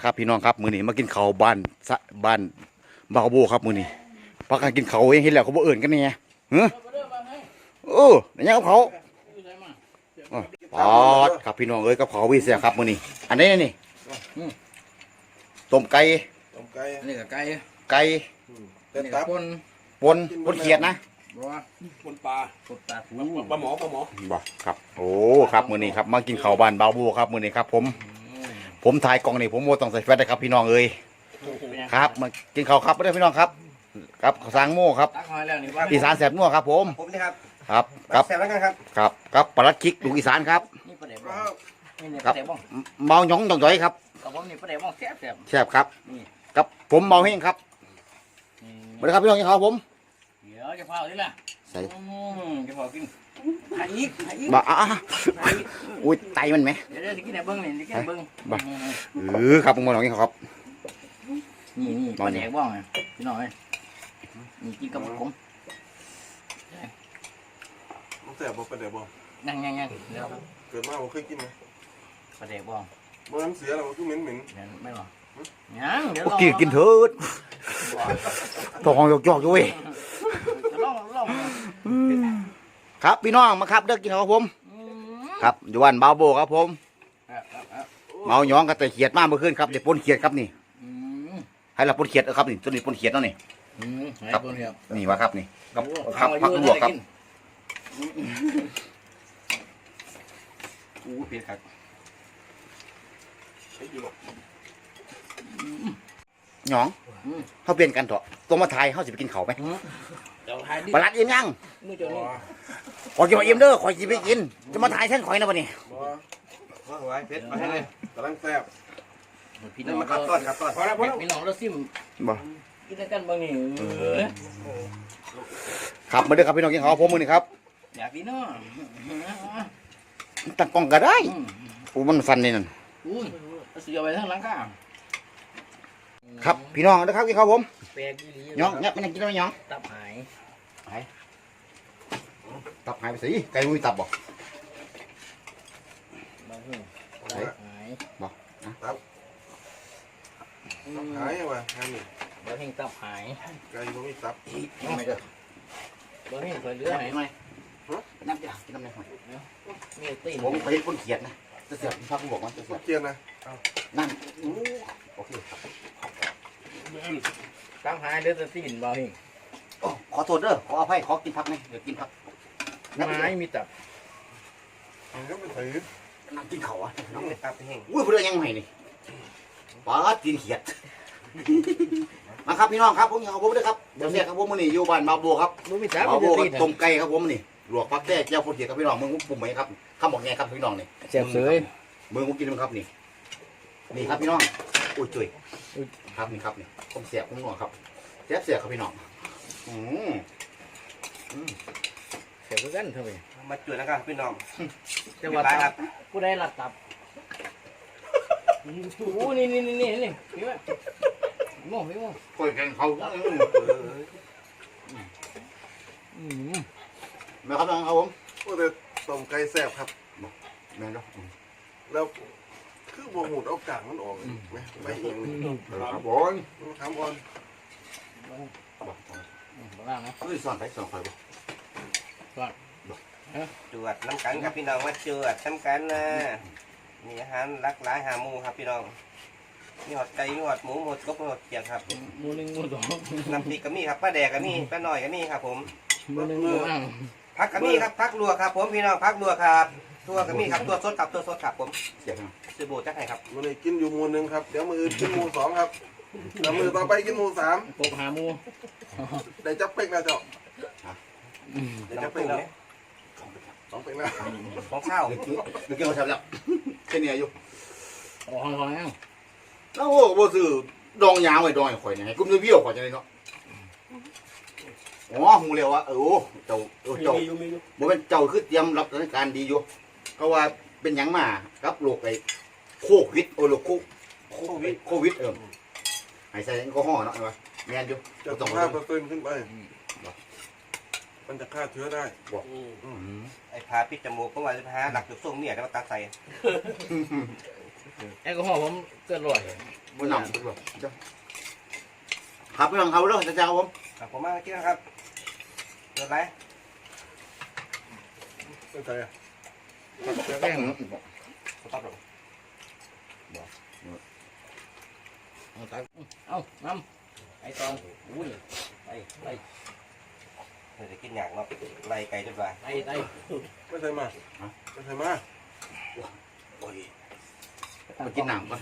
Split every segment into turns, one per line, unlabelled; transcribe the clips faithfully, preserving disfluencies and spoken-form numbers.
ครับพี่น้องครับมื้อนี้มากินข้าวบ้านสะบ้านบาวโบครับมื้อนี้พักกันกินข้าวเองเห็นแล้วเขาบ่เอิ้นกันแน่เฮ้อเออนี่กับเขาปอดครับพี่น้องเอ้ยกับเขาวิเศษครับมื้อนี้อันนี้นี่ต้มไก่
ต้มไก่
นี่ก็ไก่
ไก่
เป็ดตับ
ปน
ปนปนเขียดนะ
บ่
ปนปลา
ปนปลาทู
ปลาหมอปลาหมอ
บ่ครับโอ้ครับมื้อนี้ครับมากินข้าวบ้านบาวโบครับมื้อนี้ครับผมผมถ่ายกล่องนี่ผมบ่ต้องใส่แฟลชนะครับพี่น้องเอ้ยครับมากินข้าวครับเด้อพี่น้องครับครับข้าวสางโม่ครับ
ตักหอยแล้วนี่ว่า
อีสานแสบนัวครับผม
ผมนี่ครับ
ครับครับ
แซ่บแล้วกันครับ
ครับครับปลาลัดคิกลูกอีสานครับ
นี่ปลาแดกบ้องนี่นี่ป
ครั
ลา
บ
แดกบ้อง
เมาหยองหยองจ่อยครับ
กับผมนี่ปลาแดกบ้องแซ่บแซ่บ
แซ่บครับกับผมเมาเฮงครับมาเลยครับพี่น้องกินข้าวผม
เดี๋ยวจะพาเอาดิล่ะ
ใส่
จะพากินหาอีกหาอีก
บ่อ่ะอุ้ยไตมันไหม
เดี๋ยวจะกินไหนเบิ้งนี่จะกินไหนเบิ้ง
เออครับผมมาลองกินข้าวครับ
นี่นี่ปลาแดกบ้องพี่น้องเอ้ยนี่กินกับผม
มันแซ่บบ่ปลาแดกบ่
ยังยังยังเดี๋ยว
เกิดมาผมเคยกินไหม
ปลาแดกบ้อง
บ่น้ำเสียแล้วมันคือเหม็นเหม็น
เดี๋ยวไม่หรอยังเดี๋ยว
กินกินเถิดทองหยอกหยอกอยู่เว้ย
ลองลอง
ครับพี่น้องมาครับเด้อกินข้าวผมครับอยู่บ้านบาวโบครับผมเมาหยองกับแต่เขียดมาเมื่อคืนครับเดี๋ยวปนเขียดครับนี่ให้เราปนเขียดครับนี่ตัวนี้ปนเขียดแล้วนี่ครับนี่วะครับนี่กับครับพักลวกครับอู้เผ็ดครับหยองเขาเปลี่ยนกันเถอะตัวมาไทยเขาจะไปกินเขาไหมปลาลัดอิ่มยังขอกินมาอิ่มเด้อขอกินไปกินจะมาถ่ายแท่นข่อยนะวันนี้
บ่ว่าไว้เผ็ดมาให้เลยกำลังแซ่บ
พี่น้อง
มาครับต้นครับต้นพอแล้วพอแล้ว
พี่น้องเราซิม
บ่
กินกันบ้างนี่
ครับมาเด้อครับพี่น้องกินข้าวผมมือนี่ครับ
อยากพี่น้อง
ตั้งกล้องก็ได้อู้มันสั่นนี่นั่น
อุ้ยเสียไปทั้งหลังก้า
ครับพี่น้องนะครับกินข้าวผม
แปลกอีหลี
หยองเนี่ยมันยังกินได้ไหมหยอง
ตับหาย
ตับหายไปสิไก่มุ้ยตับบ่
บางทีตับหาย
หายว่ะงานนี่
บางทีตับหาย
ไก่บ่มีตับ
ไม่เด้อบ
างทีเคยเลือไหนไหม
น้ำจ้ากินน้ำในหอย
มีตีน
ผมไปเห็นคนเขียดนะจะเสียบภาพผู้บอกว่าจะเสียบ
เกียนนะ
นั่นโอเค
ตับหายเลือดตีนบางที
โอ้ขอโทษเด้อขออภัยขอกินผักหน่อยเดี๋ยวกินผัก
ไม้มีตับ
มันก็เป็นถือ
นั่งกินเขาอ่ะน้อง
ไม่ตับแห้ง
อุ้ยพูดได้ยังไงนี่ปลาตีนเขียดมาครับพี่น้องครับผมเอาผมด้วยครับเดี๋ยวเสียครับผมมื้อนี้อยู่บ้านมาบัวครับ
รู้มีตับ
มา
มี
บัว
ตี
กับ
น
ต้มไก่ครับผมนี่ลวกผักแก้เจียวคนเขียดครับพี่น้องมึงปุ่มไหมครับข้ามบอกไงครับพี่น้องนี่
เสียบเสย
มือผมกินมั้งครับนี่นี่ครับพี่น้องอุ้ยจุ้ยครับนี่ครับนี่ผมเสียบผมหนวดครับเสียบเสียบครับพี่น้องอืม
เสียบกันเท่าไหร่
มาจุดนะครับพี่น้อง
จะว่าตับกูได้รับตับโอ้นี่นี่นี่นี่นี่พี่ว่าโม่พี่โม่
คอยแกงเขาอืมแม่ครับน้องเอาผม
โอ้แต่ต้มไก่แซ่บครับ
แม่เนาะ
แล้วคือบ่หูดเอากางมันออกไหมไปเองนี่
ครับผม
ถามก่อน
บ้างนะ
เฮ้ยสอนไปสอนคอยบ่
จวดน้ำกันครับพี่น้องมาจวดน้ำกันนะมีอาหารหลากหลายหาหมูครับพี่น้องมีหอดไก่มีหอดหมูหอดกบมีหอดเกี๊ยงครับ
มูหนึ่งมูสอง
น้ำพริกก็มีครับป้าแดกก็มีป้าหน่อยก็มีครับผม
มูหนึ่งมูบ้าง
ผักก็มีครับผักลวกครับผมพี่น้องผักลวกครับตัวก็มีครับตัวสดครับตัวสดครับผม
เสียบ
ซื้อโบจักให้ครับ
มื้อนี้กินอยู่หมู่หนึงครับเดี๋ยวมื้ออื่นกินหมู่สองครับแล้วมื้อต่อไปกินหมู่สาม
ปกหามู
ได้จับเป็กนะเจ้าได้
น้ำ
จับเป็
ปู
กแล้ว
เนี่ย
สองเป็กแล้ว
ของข้าว
เดี๋ยวเดี๋ยวกินเขาแซ่บแล้วแค่นี้อยู่
ออกห้องห้องแล้ว
แล้วโอ้บ่ซื้อดองยางไว้ดองให้ข่อยนี่ให้กุ้มเบี้ยวข่อยจังได๋เนาะอ๋อฮู้แล้วว่าเออเจ้าเออเจ้าบ่แม่นเจ้าคือเตรียมรับสถานการณ์ดีอยู่เพราะว่าเป็นหยังมากับโรคไอ้โควิดโอ้โรคโคโควิดโควิดเออให้ใส่แอลกอฮอล์เนาะว่าแม่นอยู่
จะ
ต้
ต้
อ
อง ง
ค่า
ค่าเปอร์เซ็นต์ขึ้นไปมันจะฆ่าเชื้อได้
ไอ้พาปิดจมูกเพราะว่าจะพาหลักจุดส่งเนี่ยแล้วมาตัดใส่
แอลกอฮอล์ผมเกินร้อย
บนหนังครับพี่น้องเขาเด้อจ้าครับผม
ครับผมมากินนะครับเกิดอะไร
เป็นไงอ่ะ
แป้ง
สต๊อปหรอ
เอาตักเอาน้ำไอ้ตอนอุ้ยไปไป
เดี๋ยวจะกินอย่างเนาะไล่ไก่จนว่า
ไปไป
ไม่ใช่มาไม่ใช่มา
โอ้ยไปกินหนังก่อน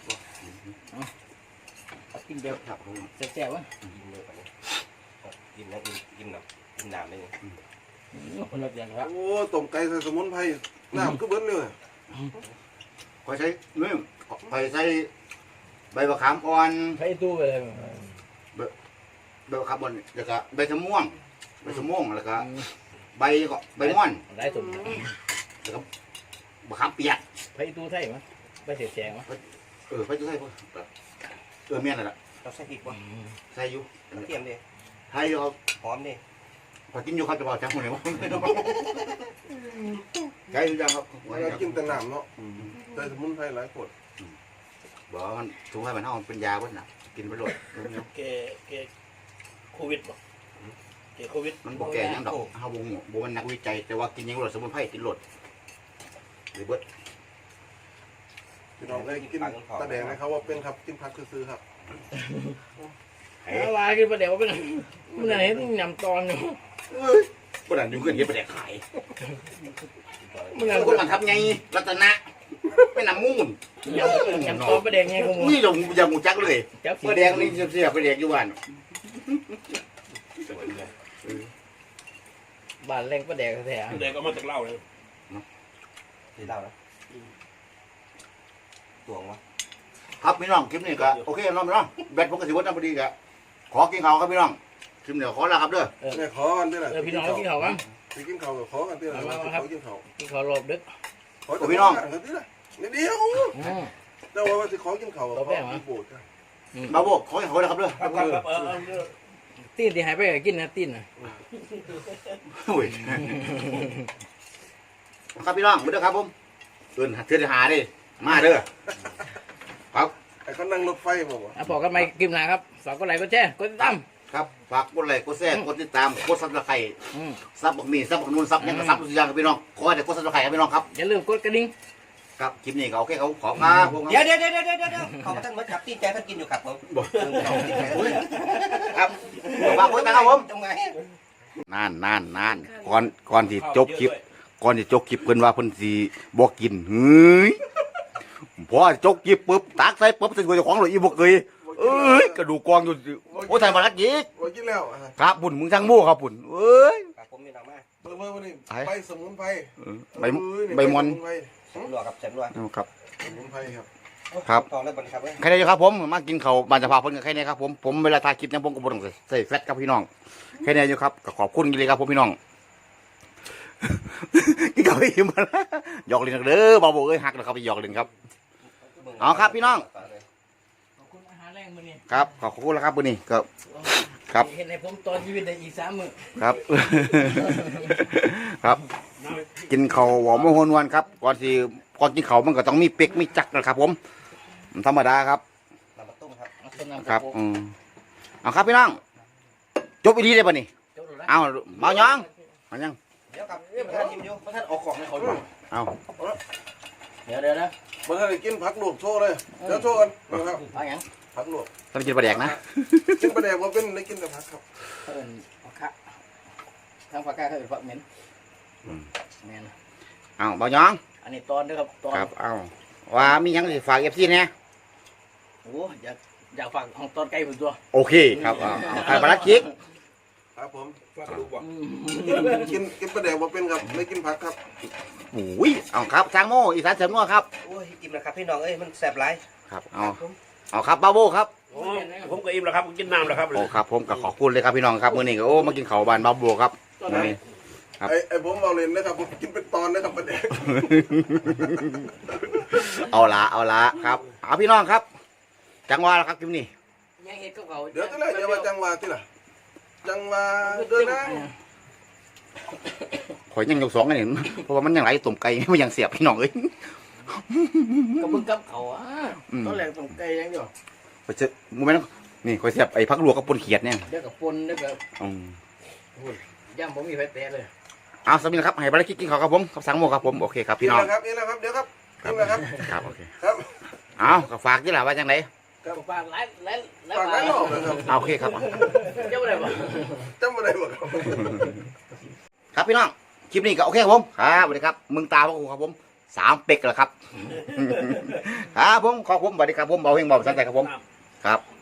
กินเดียว
ครับผม
แซ่บๆวะ
กินเลยไปเลยกินแล้วกินกินหนักกินน้ำได้เลย
คนละอย่างครับ
โอ้ต้มไก่ใส่สมุนไพรน้ำก็เบิ้ลเลย
คอยใช้เนื้อคอยใช้ใบมะขามอ่อน
ใช้ตู้ไปเลย
ใบมะขามอ่อนแล้วก็ใบชะม่วงใบชะม่วงแล้วก็ใบก็ใบม่อน
ได้ตุ่ม
แล้วก็มะขามเปียก
ใช้ตู้ไทยมั้ยไปเสียแจงมั้ย
เออไปจะใส่พวกเออเมียนอะไรล่ะ
เราใส่พริกวะ
ใส่อยู่
กระเทียมดิ
ไทยเขา
หอมดิ
พอกินอยู่ครับจะบอกจังคนไหนวะใช่หรือยังครับ
เรากินแต่น้ำเนาะใส่สมุนไพรหลายขวด
บอกว่ามันถุงให้มันเท่ามันเป็นยาบ้านนะกินไปโหลด
เกเกโควิดบ่เกโควิด
มันบอกแก่ยังดอกเฮาบ่ฮู้บ่มันนักวิจัยแต่ว่ากินยังโหลดสมุนไพรติดโหลดหรือเบิด
พี่น้องได้กินตาแดงนะครับว่าเป็นครับกินผักซื้อครับ
เอาว่ากินประเดี๋ยวเป็นมันไหนต้องยำตอนอยู่
บ่นั่นอยู่เพิ่นเฮ็ดไปแดกขาย
มัน
แล้วคนมันทับไงรัตนะไม่นำมูน
ยำยำตอนประเดี๋ยวไงกูมึง
นี่ลงอย่ามูจักเลย
จับ
เปิดแดงนี่เสียไปแดกอยู่บ้าน
บ้านแรงประเดี๋ยวแท้
เด็กก็มาจากเล่าเลย
สีเหล้านะตวงวะ
ครับพี่น้องคลิปนี้ก็โอเคเนาะพี่น้องแบตผมก็สิวัดน้ำพอดีก็ขอกินข้าวครับพี่น้องคลิปนี้ขอลาครับเด้อ
เนี่ยขอกันด้วยนะ
เออพี่น้องกินข้าวกัน
ไปกินข้าวกับขอกันด้วยนะขอกินข้าว
กินข้าวรอบดึก
ขอพี่น้องกันด้วยนะนิดเดียว
อืม
เจ้าว่าจะขอกินข้าวกับขอกินโบดกัน
มาโบกขอให้เขาเลยครับเด้อ
ครับครับเออเออ
ตีนที่หายไปก็กินนะตีนนะ
โอ้ยครับพี่น้องมาเด้อครับผมเดินเทือนหาดิมาเด้อครับ
ไอ้เขานั่งรถไฟมาบ่
อ่ะพอกันไหมกินหนาครับฝากกดไลค์กดแชร์กดติดตาม
ครับฝากกดไลค์กดแชร์กดติดตามกดซับสไครต์
อืม
ซับบักมีซับบักนูนซับยังกระซับทุกอย่างครับพี่น้องขอให้ได้กดซับสไครต์ครับพี่น้องครับ
อย่าลืมกดกระดิ่ง
ครับคลิปนี้ก็โอเคเขาขอครับผม
เดี๋ยวเดี๋ยวเดี๋ยวเดี๋ยวเดี๋ยวเขาท่านมาจับตีนใจท่านกินอยู่ครับผม
ครับฝากกดติดตามครับผม
ตรงไหน
นานนานนานก่อนก่อนที่จบคลิปก่อนที่จบคลิปเพิ่นว่าเพิ่นสิบ่กินเฮ้ยพอจบคลิปปุ๊บตักใส่ปุ๊บใส่ตัวเจ้าของเลยอีบ่เคยเอ้ยกระดูกกองอยู่โอ้ยทายมาลักอีก
ว่ากินแล้ว
ครับปุ่นมึงช่างโม่ครับปุ่นเอ้ย
ครับผมมีน้องมา
เมื่อเมื่อวันนี้ไปสมุนไพร
ใบใบมอน
สมรัวครับสมรัว
ครับ
สมุนไพรครับ
ครับ
ทองแล้วบนครับเว้ย
ใครได้ครับผมมากินข้าวบานสภาเพิ่นกับใครได้ครับผมผมเวลาถ่ายคลิปเนี่ยผมก็บ่ต้องใส่แฟลชครับพี่น้องใครได้อยู่ครับก็ขอบคุณเลยครับผมพี่น้อง กินข้าวให้อิ่มมาแล้วหยอกเล่นเด้อบ่าวโบเอ้ยฮักนะครับไปหยอกเล่นครับ เอาครับพี่น้อง
ขอบคุณอาหารแรงมื้อนี้
ครับขอบคุณแล้วครับมื้อนี้ก็ครับ
เห็นให้ผมตอนชีวิตได้อีกสามมื้อ
ครับ ครับ กินข้าวหอมหวนวันครับก่อนสิก่อนกินข้าวมันก็ต้องมีเป็กมีจักนะครับผมมันธรรมดาครับ
น้ำมะตุ้มครับ
เอาต้นน้ำ
ครับอืมเอาครับพี่น้องจบอีดีได้ป่ะนี่
จบแล้ว
เอาเมายังมายัง
เดี๋ยวครับเดี๋ยวท่านชิมอยู่
ท่านออกของให้เขาดู
เอา
เดี๋ยวเดี๋ยวนะ
เมื่อได้กินผักลวกโชว์เลยเดี๋ยวโชว์กันนะครับ
เอาหยัง
ผักลวก
ต้องกินปลาแดกนะ
กินปลาแดกว่าเป็นได้กินแต่ผักครับ
เอิ้นผักกะทางผักกะเขาเอิ้นผักเหม็นแม่น
เอาเมายัง
อันนี้ตอนเด้อครับตอน
ครับเอาว่ามีหยังสิฝากเอฟซีเนี่ย
โอ้อยากอยากฝากของตอนไก่ผมตัว
โอเคครับเอาเอาใครปลาคิก
ครับผม
ว่ากระดูกว่ะ
กินกินปลาแดกว่าเป็นครับไม่กินผักครับ
โอ้ยเอาครับทางโม่อีสานเสริมนัวครับ
โอ้ยกินนะครับพี่น้องเอ้ยมันแสบหลาย
ครับเอาเอาครับบาโบครับ
โอ้ผมก็อิ่มแล้วครับกินน้ำแล้วครับ
โอ้ครับผมก็ขอบคุณเลยครับพี่น้องครับมื้อนี้ก็โอ้มากินข้าวบ้านบาโบครับมื้อนี้ ครับ
ไอ้ไอ้ผมเอาเล่นนะครับผมกินเป็นตอนนะครับปลาแดก
เอาละเอาละครับเอาพี่น้องครับ จังหวะแล้วครับคลิปนี้
ยังเฮ็ดกับเขา
เดี๋ยวจะได้เดี๋ยวว่าจังหวะที่ล่ะจังหวะเดินนะ
ข่อยยังยกสองกันนี่เพราะว่ามันยังไหลตุ่มไก่ มันยังเสียบพี่น้องเอ้ย
ก็มึงกับเขาอ่ะ
อืม
ตอนแรกต้องไก่อย่างเดียว
ไปเจอมึงแม่นนี่คอยเสียบไอ้พักลวกกับปนเขียดเนี่ย
เดี๋ยวกับปนเดี๋ยวกับ
อืม
ย่ำผมมีไฟแตะเลย
เอาสามีนะครับให้บริกิกินข้าวครับผมกับสังโมครับผมโอเคครับ
นี่
พี่น้อง
แหละครับนี่แหละครับเดี๋ยวครับนี่แหละครับ
ครับโอเค
ครับ
เอาก็ฝากที่หล่ะว่าจังได
กับปากหลายหลายหลาย
ฝาก
ปา
ไว้
ก
หลอกนะครับ
เอาโอเคครับ
เจ้าอะไรบ่
จำอะไรบ่ครับ
ครับพี่น้องคลิปนี้ก็โอเคครับผมครับสวัสดีครับมึงตาพวกกูครับผมสามเป็กแล้วครับ ครับผมขอบผมสวัสดีครับผมเบาเฮงเบาสันใจครับผมครับ